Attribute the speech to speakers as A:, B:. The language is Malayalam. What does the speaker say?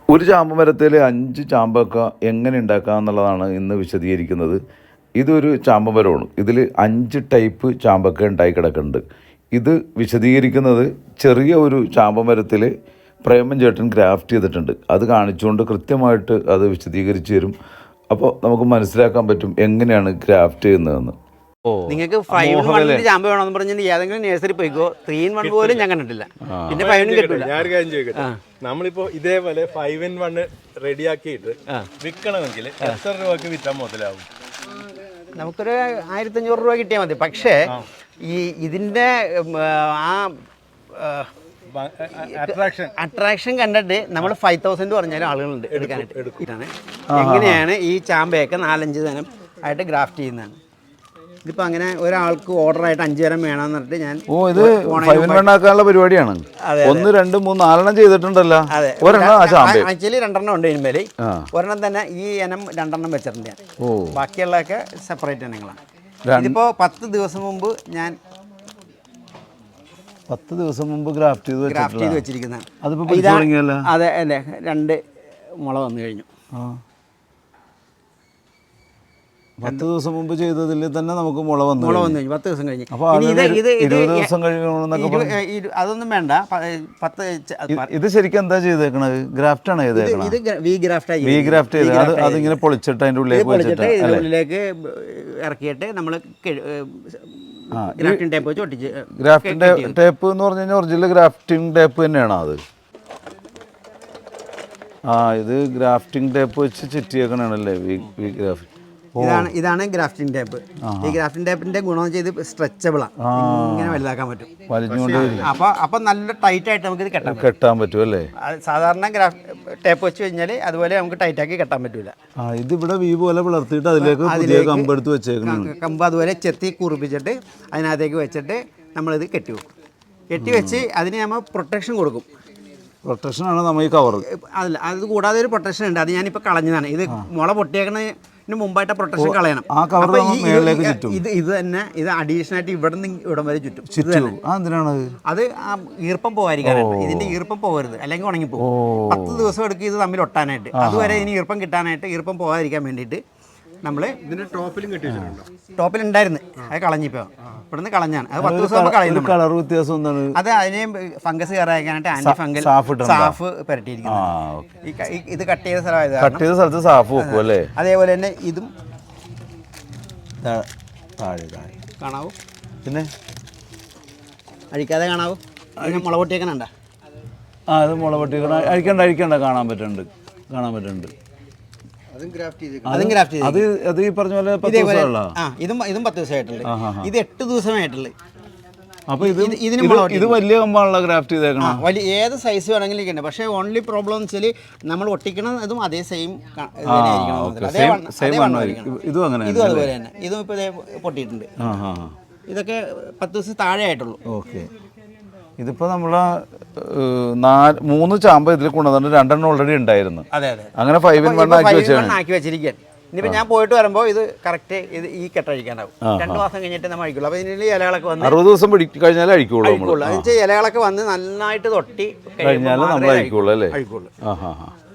A: ഒരു ചാമ്പ മരത്തിൽ 5 ചാമ്പക്ക എങ്ങനെ ഉണ്ടാക്കാം എന്നുള്ളതാണ് ഇന്ന് വിശദീകരിക്കുന്നത്. ഇതൊരു ചാമ്പ മരമാണ്. ഇതിൽ 5 ടൈപ്പ് ചാമ്പക്ക ഉണ്ടായി കിടക്കുന്നുണ്ട്. ഇത് വിശദീകരിക്കുന്നത് ചെറിയ ഒരു ചാമ്പ മരത്തിൽ പ്രേമൻ ചേട്ടൻ ഗ്രാഫ്റ്റ് ചെയ്തിട്ടുണ്ട്. അത് കാണിച്ചുകൊണ്ട് കൃത്യമായിട്ട് അത് വിശദീകരിച്ച് തരും. അപ്പോൾ നമുക്ക് മനസ്സിലാക്കാൻ പറ്റും എങ്ങനെയാണ് ഗ്രാഫ്റ്റ് ചെയ്യുന്നതെന്ന്.
B: നിങ്ങൾക്ക് 5-in-1 ചാമ്പ വേണമെന്ന് പറഞ്ഞാൽ ഏതെങ്കിലും നഴ്സറി പോയിക്കോ. 3-in-1 പോലും ഞാൻ കണ്ടിട്ടില്ല. പിന്നെ 5-in കിട്ടില്ല.
C: ഞാനൊരു കാര്യം ചോദിക്കട്ടെ, നമ്മളിപ്പോ ഇതേപോലെ 5-in-1 റെഡിയാക്കിയിട്ട് വിൽക്കണമെങ്കിൽ എത്ര രൂപക്ക് വിറ്റാൻ മുതലാവും?
B: നമുക്കൊരു 1500 രൂപ കിട്ടിയാൽ മതി. പക്ഷേ ഈ ഇതിന്റെ ആ അട്രാക്ഷൻ കണ്ടിട്ട് നമ്മൾ 5000 പറഞ്ഞാലും ആളുകളുണ്ട് എടുക്കാനായിട്ട്. എങ്ങനെയാണ് ഈ ചാമ്പയൊക്കെ 4-5 തരം ആയിട്ട് ഗ്രാഫ്റ്റ് ചെയ്യുന്നതാണ്. ഇതിപ്പോൾ അങ്ങനെ ഒരാൾക്ക് ഓർഡറായിട്ട് 5 തരം വേണമെന്ന് പറഞ്ഞിട്ട് ഞാൻ
A: ഇത് 5-in-1 ആക്കാനുള്ള പരിപാടിയാണ്. 1, 2, 3, 4 ചെയ്തിട്ടുണ്ടല്ലോ.
B: ആക്ച്വലി 2 ഉണ്ട് ഇതിന്മേൽ. ഒരെണ്ണം തന്നെ ഈ ഇനം 2 വെച്ചിട്ടുണ്ട് ഞാൻ. ബാക്കിയുള്ളതൊക്കെ സെപ്പറേറ്റ് ഇനങ്ങളാണ്. ഇതിപ്പോൾ 10 ദിവസം മുമ്പ് ഞാൻ
A: 10 ദിവസം മുമ്പ് ഗ്രാഫ്റ്റ് ചെയ്ത്
B: വെച്ചിരിക്കുന്നതാണ്.
A: അതെ
B: അല്ലേ, 2 മുള വന്നു കഴിഞ്ഞു.
A: 10 ദിവസം മുമ്പ് ചെയ്തതിൽ തന്നെ നമുക്ക് മുള വന്നു
B: കഴിഞ്ഞു. 10 ദിവസം കഴിഞ്ഞ്.
A: അപ്പോൾ 20 ദിവസം കഴിയണമെന്നൊക്കെ
B: അതൊന്നും വേണ്ട. 10
A: ഇത് ശരിക്കും എന്താ ചെയ്തേക്കണത്? ഗ്രാഫ്റ്റ് ആണ് ചെയ്തേക്കണത്.
B: ഇത് വി ഗ്രാഫ്റ്റ്
A: ചെയ്ത് അതിങ്ങനെ പൊളിച്ചിട്ട് അതിൻ്റെ
B: ഉള്ളിലേക്ക് ഇറക്കിയിട്ട് നമ്മൾ ഗ്രാഫ്റ്റിംഗ് ടേപ്പ് വെച്ച് ഒട്ടിച്ച്.
A: ഗ്രാഫ്റ്റിംഗ് ടേപ്പ് എന്ന് പറഞ്ഞു കഴിഞ്ഞാൽ ഒറിജിനൽ ഗ്രാഫ്റ്റിംഗ് ടേപ്പ് തന്നെയാണ് അത്. ഇത് ഗ്രാഫ്റ്റിംഗ് ടേപ്പ് വെച്ച് ചുറ്റിയേക്കണല്ലേ വി ഗ്രാഫ്റ്റ്.
B: ഇതാണ് ഗ്രാഫ്റ്റിംഗ് ടേപ്പ്. ഈ ഗ്രാഫ്റ്റിംഗ് ടേപ്പിന്റെ ഗുണം വെച്ചാൽ ഇത് സ്ട്രെച്ചബിളാണ്. ഇങ്ങനെ വലുതാക്കാൻ പറ്റും. അപ്പൊ നല്ല ടൈറ്റ് ആയിട്ട് നമുക്ക് ഇത്
A: കെട്ടാൻ പറ്റും അല്ലേ?
B: സാധാരണ ടേപ്പ് വെച്ച് കഴിഞ്ഞാൽ അതുപോലെ നമുക്ക് ടൈറ്റ് ആക്കി കെട്ടാൻ പറ്റൂല.
A: ഇത് ഇവിടെ വി പോലെ വളർത്തിയിട്ട് അതിലേക്ക് കമ്പെടുത്ത് വെച്ചേക്കണം.
B: കമ്പ് അതുപോലെ ചെത്തി കുറിപ്പിച്ചിട്ട് അതിനകത്തേക്ക് വെച്ചിട്ട് നമ്മളിത് കെട്ടി വെക്കും. കെട്ടി വെച്ച് അതിന് നമ്മൾ പ്രൊട്ടക്ഷൻ കൊടുക്കും.
A: പ്രൊട്ടക്ഷനാണ് നമ്മൾ ഈ കവർ.
B: അതല്ല, അത് കൂടാതെ ഒരു പ്രൊട്ടക്ഷൻ ഉണ്ട്. അത് ഞാനിപ്പോൾ കളഞ്ഞതാണ്. ഇത് മുള പൊട്ടിയേക്കണതിന് മുമ്പായിട്ട് പ്രൊട്ടക്ഷൻ കളയണം. ഇത് തന്നെ ഇത് അഡീഷണൽ ആയിട്ട് ഇവിടെ നിന്ന് ഇവിടം വരെ ചുറ്റും. അത് ആ ഈർപ്പം പോകാതിരിക്കാനായിട്ട്. ഇതിന്റെ ഈർപ്പം പോകരുത്, അല്ലെങ്കിൽ ഉണങ്ങിപ്പോകും. 10 ദിവസം എടുക്കും ഇത് തമ്മിൽ ഒട്ടാനായിട്ട്. അതുവരെ ഇനി ഈർപ്പം കിട്ടാനായിട്ട്, ഈർപ്പം പോകാതിരിക്കാൻ വേണ്ടിയിട്ട് നമ്മൾ ഇതിന്റെ ടോപ്പിലുണ്ടായിരുന്നു. അത് കളഞ്ഞിപ്പോ ഇവിടുന്ന് കളഞ്ഞാണ്. അത് 10 ദിവസം കളയുന്നു.
A: കളർ വ്യത്യാസം അത്
B: അതിനെ ഫംഗസ് കയറാനായിട്ട് ആന്റി ഫംഗൽ സാഫ് പുരട്ടിയിരിക്കുന്നു. ഇത് കട്ട് ചെയ്ത
A: സ്ഥലത്ത് സാഫ് വെക്കും അല്ലേ?
B: അതേപോലെ തന്നെ ഇതും കാണാവൂ.
A: പിന്നെ
B: അഴിക്കാതെ കാണാവൂ. അതിന് മുള പൊട്ടിയേക്കണണ്ട.
A: അത് മുള പൊട്ടിയേക്കണ അഴിക്കണ്ട കാണാൻ പറ്റുന്നുണ്ട്. അത് ഈ പറഞ്ഞ പോലെ 10 ദിവസമുള്ള.
B: ഇതും 10 ദിവസമായിട്ടുള്ളത്. ഇത് 8 ദിവസമായിട്ടുള്ളത്.
A: അപ്പൊ ഇത് വലിയ കമ്പാണല്ലോ ഗ്രാഫ്റ്റ് ചെയ്തേക്കണം.
B: വലിയ ഏത് സൈസ് വേണമെങ്കിലും ഇരിക്കണ്ട. പക്ഷേ ഓൺലി പ്രോബ്ലം എന്ന് വെച്ചാൽ നമ്മൾ ഒട്ടിക്കണതും അതേ സെയിം
A: ഇതും അങ്ങനെ.
B: ഇതും അതുപോലെ തന്നെ. ഇതും ഇപ്പൊ പൊട്ടിയിട്ടുണ്ട്. ഇതൊക്കെ 10 ദിവസം താഴെ ആയിട്ടുള്ളൂ.
A: ഓക്കെ. ഇതിപ്പോൾ നമ്മൾ 3 ചാമ്പ ഇതിൽ കൊണ്ടുവന്നിട്ട് 2 ഓൾറെഡി ഉണ്ടായിരുന്നു. അങ്ങനെ 5-in-1
B: ആക്കി വെച്ചിരിക്കുകയാണ്. ഇനിയിപ്പോൾ ഞാൻ പോയിട്ട് വരുമ്പോൾ ഇത് കറക്റ്റ് ഇത് ഈ കെട്ടഴിക്കാനാവും. 2 മാസം കഴിഞ്ഞിട്ട് നമ്മൾ അഴിക്കുള്ളൂ. അപ്പോൾ ഇതിൽ ഇലകളൊക്കെ വന്ന്
A: 60 ദിവസം കഴിഞ്ഞാൽ അഴിക്കുള്ളൂ.
B: ഇലകളൊക്കെ വന്ന് നന്നായിട്ട് തൊട്ടി
A: കഴിഞ്ഞാൽ നമ്മൾ അഴിക്കുള്ളൂ അല്ലേ?
B: അഴിക്കുള്ളൂ.